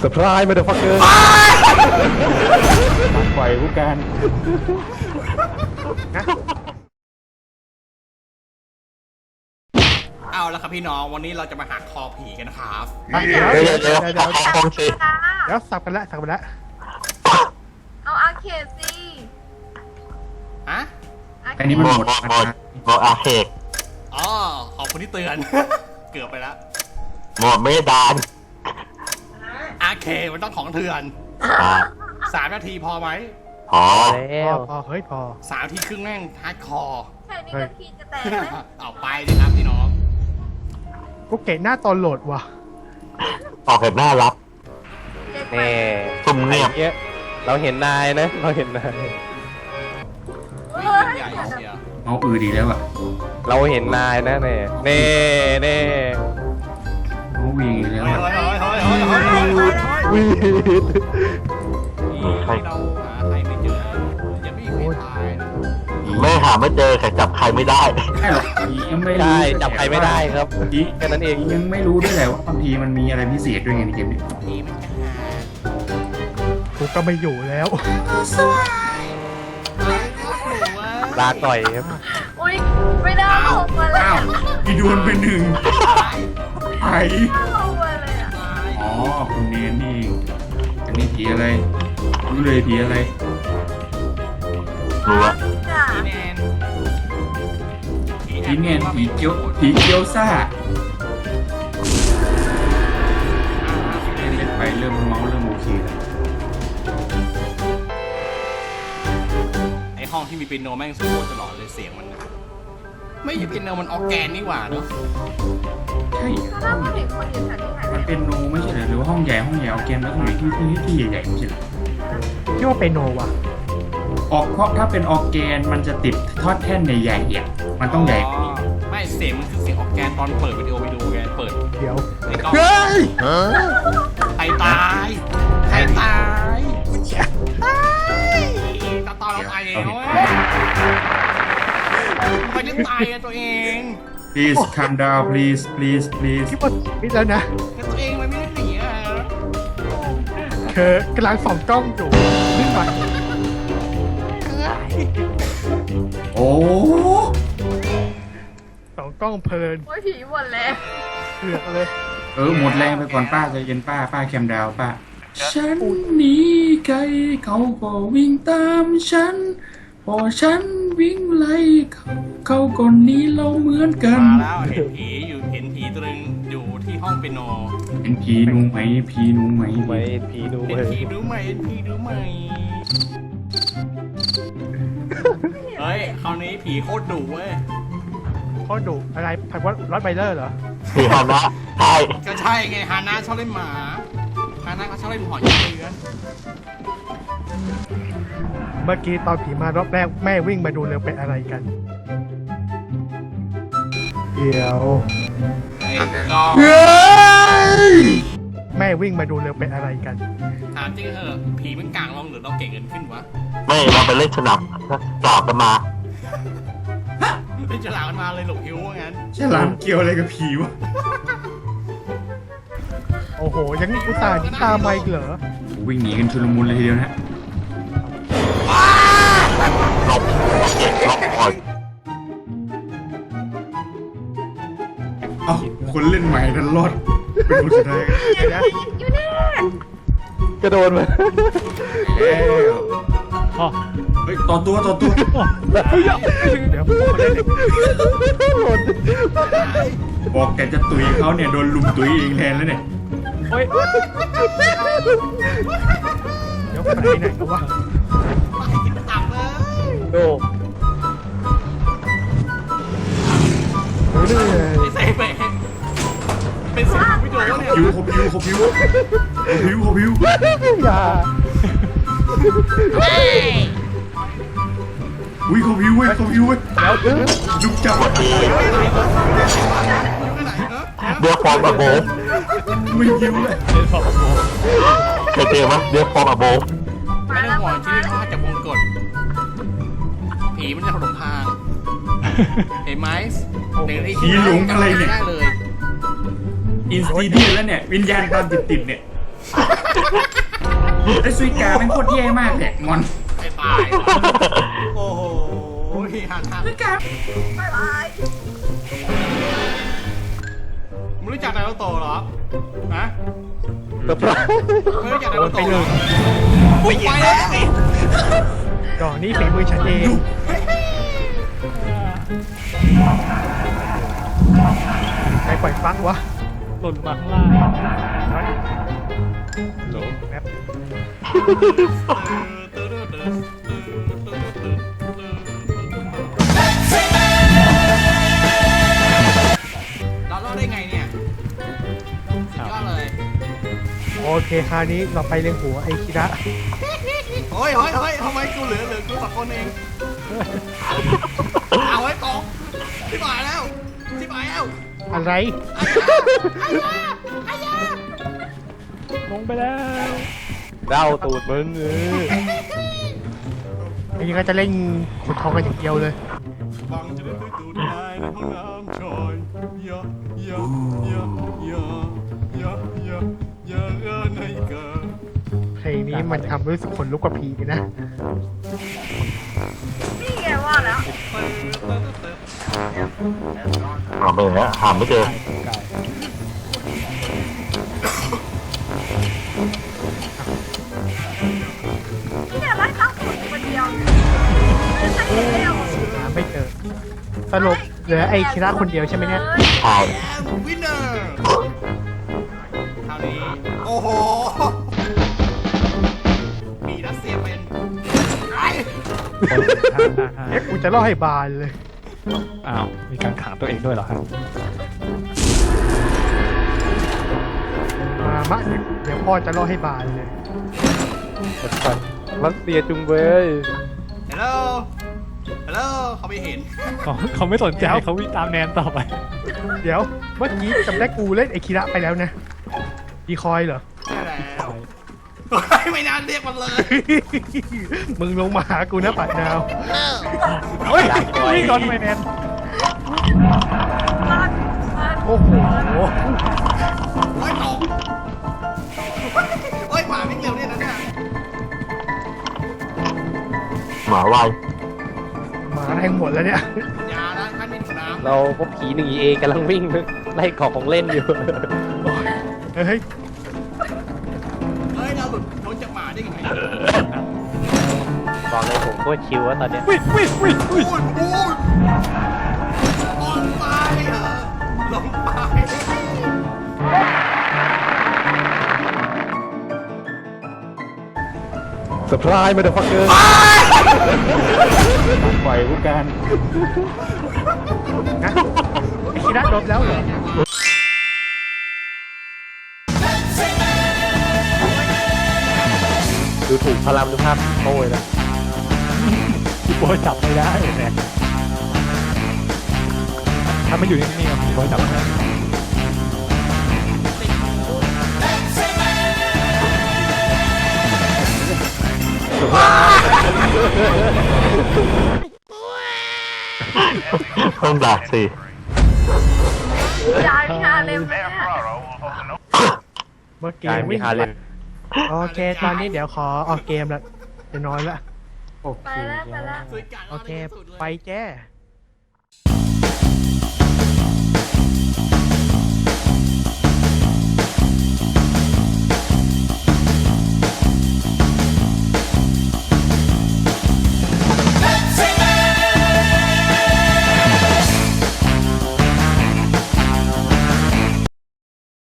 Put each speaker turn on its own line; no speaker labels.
เซอร์ไพรส์มาเดอะฟักเกอร์ปล่อยผู้การ
เอาละครับพี่น้องวันนี้เราจะมาหักคอผีกันนะครับ
เดี๋ยวสับกันละ
เอาอาเขตสิ
ฮะ
อันนี้มันหมดอาเขต
อ๋อขอบคุณที่เตือน เกือบไปแล้ว
หมดไม่ดาน
อาเคมันต้องของเถื่อน3 นาทีพอไหม
พอ
พอเฮ้ยพอ
3 นาทีครึ่งแม่งฮาร์ดคอร์
แค่นี้นาทีจะแตกไหม
เอาไปดิครับพี่น้อง
กูเก่งหน้าตอนโหลดว่ะ
ออกแบบน่ารัก
เด็ก
แน่
ซุ่มเงียบ
เงี้ยเราเห็นนายนะเราเห็นนาย
วิ่งใหญ่เชียว
เอาดีแล้วอ่ะ
เราเห็นนายนะเน่เน่
เอาวิ่งอีกแล้ว
เฮ้ย
อะ
เฮ้ย
วีด
ใครเราหาใครไม่เจออย่าไม่มีใครตายนะ
แม่หาไม่เจอใครจับใครไม่ได้
ใช่หรอกผียังไม่รู้
ใช่จับใครไม่ได้ครับ
ผี
แค่นั้นเอง
ยังไม่รู้ด้วยแหละว่าบางทีมันมีอะไรพิเศษด้วยไงในเกมนี้
ผีมันจะหา
กูก็ไม่อยู่แล้ว
ลาก่อยครับ
อุ้ยไม่ได้ลงมาเลย
อ้าวอีดวนเป็นหนึ่งไอ
ลงมาเลยอ่ะ
อ๋อคุณเนนนี่เองอันนี้ผีอะไรรู้เลยผีอะไร
รู้ว่า
จ้ะ
ผีแนน
ผีเนนผีเกียวซ่าเล่นไปเริ่มเมาส์เริ่มโอเคแล้ว
ไอห้องที่มีเปียโนแม่งสู้ตลอดเลยเสียงมันไม่ใช่เปียโนมันออร์แกนนี่หว่าเนาะ
ใช่
ถ้าเราเห็นคนอยู่แถวนี้หายไป
มันเป็นโนไม่ใช่เหรอหรือว่าห้องใหญ่เอาเกมแล้วตรงไหนที่ใหญ่ๆไม่ใช่เหรอ
คิดว่าเป็นโนว่ะ
ออกเพราะถ้าเป็นออกแกนมันจะติดทอดแท่นใหญ่ๆอ่ะมันต้องใหญ่กว่านี้
ไม่เสียงมันคือเสียงออร์แกนตอนเปิดวิดีโอไปดูไงเปิด
เดี๋ยว
ในกล้อง
เฮ้ย
ใครตายใครตายตอนเราตายเองเว้ยไปเล่นตายอะตัวเอง
please calm down please
คิดว่ามิดแล้วนะ
แต่ตัวเองมันไม่ได้หนีอะ
คือกำลังส่องกล้องอยู่ขึ้นไป
โอ้
ส่องกล้องเพลิน
โอ้ยผีหมดแล้ว
เผือกเลย
หมดแรงไปก่อนป้าใจเย็นป้าแคมดาวป้าฉันหนีไกลเขาก็วิ่งตามฉันพอฉันวิ่งไล่เขาก็หนีเราเหมือนกัน
มาแล้วเห็นผีตัวนึงอยู่ที่ห้องเปียโน
เป็นผีหนูไหมผีหนูไหม
ไม่ผีดู
เห็น
เลย
ผีรู้ไหมเห็นผีรู้ไหมเฮ้ยคราวนี้ผีโคตรดุเว้ย
เขาดุอะไรพันวัดรถไบเลอร์เหรอ
ผีฮานะใช่
ก็ใช่ไงฮาน่าชอบเล่นหมาฮาน่าเขาชอบเล่นหอยเยือน
เมื่อกี้ตอนผีมารอบแรกแม่วิ่งมาดูเลยเป็นอะไรกัน เดี๋ยว
ไอ้ก็
แม่วิ่งมาดูเลยเป็นอะไรกัน
ถามจริงเหอะผีมันกลางลงหรือเราเก่งเงินขึ้นวะ
ไม่เราไปเล่นสนับสอบกันมา
เป็นฉลามกันมาเลยหลบหิวว่างั้น
ฉลามเกี่ยวอะไรกับผีวะ
โอ้โห ยังอุตส่าห์ตามมาอีกเหรอ
วิ่งหนีกันชุลมุนเลยทีเดียวนะ
หลบเก็บล็อกคอย
เอ้าคนเล่นใหม่ดันรอดเป็นคนสุดท้าย
อยู่แน่
กระโดดมา
แล้ว
อ๋อ
เฮ้ยต่อตัว
เดี๋ยวผมขอเล่นอีก
บอกแกจะตุยเขาเนี่ยโดนลุมตุยเองแทนแล้วเนี่ย
โอ้ย
เดี๋ยวไปไหนกันวะ
ไปกินตับเลย
โด
โอ้ยเหนื่อย
ไอ้เซเบะเป็นเสียงวิดีโอเนี่ย
ผิวขบผิว
อย่า
อุ้ยขบผิวเว้ย
แล้ว
ลุกจับ
อยู่ที่ไหนเนอะ
เดี๋ยวฟอร์มอะโบฟ
ไม่ผิวเลย
เคยเจอไหมเดี๋ยวฟอร์มอะโบฟ
ไม่ต้องห่วงชีวิตรอดจากวงกฏผีมันจะถล่มทางเห็นไหมหนึ่งนาที
ผีหลงอะไรเนี่ย
ได้เลย
อินสตีเดียนแล้วเนี่ยวิญญาณตามติดเนี่ยไอ้ซุยกาเป็นโคตรแย่มากเลยงอน
ไอ้ตาย โอ้โหหัน
ซุยกา
บายบาย
มึงรู้จักนารูโตะเหรอฮะ
เซอร์ไพรส์
ไม่รู้จักนา
โด
รู
นไป
โตะ
ห
เหร
นึ่
อง อุ้ยไปแล้ว
ดอกนี้ฝีมือฉันเองใครปล่อยฟักวะ
หล่นมาข้างล่าง
โหลแป๊บ
เราเล่าได้ไงเนี่ยสุดยอดเลย
โอเคคราวนี้เราไปเลี้ยงหัวไอคิระ
เฮ้ยทำไมกูเหลือกูสองคนเองเอาไว้กองที่หมายแล้ว
อะไร
ลงไปแล้วเด้าตูดมึง
อันนี้ก็จะเล่นขุดทองกันอย่างเดียวเลย
ฟังจะได้ตื่นตูดได้ในห้องน้ำชอยยะในกา
เพลงนี้มันทำรู้สึกขนลุกกว่าผีนะ
นี่ไงว่าแล้ว
หาไปไหนหาไม่เจอ
นี่ไงไล่ตั้งคนคนเดียวไม่ใช่เดียว
หาไม่เจอสรุปเหลือไอคิระคนเดียวใช่ไหมเนี่ย
ใช่
วินเนอร์คราวนี้โอ้โหมีรัสเซียเป็นไอ้
เอ๊ะกูจะเล่าให้บานเลย
อ้าวมีการขังตัวเองด้วยเหรอครับ
มามะเดี๋ยวพ่อจะเล่าให้บานเลย
รัสเซียจุงเบย
ฮัลโหลเขาไม่เห็น
เขาไม่สนใจเขาวิ่งตามแนนต่อไป
เดี๋ยวเมื่อกี้จำได้กูเล่นไอคิระไปแล้วนะดีคอยเหรอ
ใช่แล้วไม่นานเรียกมันเลย
มึงลงมาหากูนะปัดดาว
เฮ้ยวิ่งก่อนไปแนน
โอ้โห
โอ้ยตกโอ้ยหมาไม่เร็วเนี่ยนะเนี่ย
หมาวาย
หมาแทงหมดแล้วเนี่ย
ยาด้านขั้นดินน้ำ
เราพบผี1 EA กำลังวิ่งไล่กรอกของเล่นอยู่
เฮ้ย
เฮ้ยเราหลุดพ้นจากหมาได้ยังไง
บอกเลยผมโคตรชิวว่าตอนเนี้ย
พูดลงไปเหรอลงไป
เซอร์ไพรส์มาเดอะฟักเกอร์ปล่อยผู้การ
นะไอคิระโดนแล้วเหรอ
ดูถูกพลังดูภาพโอ้ยนะพี่โบจับไม่ได้เนี่ยถ้ามันอยู่นิ่งๆพี่โบจับไม่ได้
ต้องด่าสิ
ยายมีฮาเลมเนี่ย
เมื่อ
กา
กี้
รมี
วิ่ง
ฮาเลม
โอเค ตอนนี้เดี๋ยวขอออกเกมละจะนอนละ
โอ
ไป
เค
แล้วไปแล้ว
สวยกัด
โอเค
สุดเลย
ไปแจ้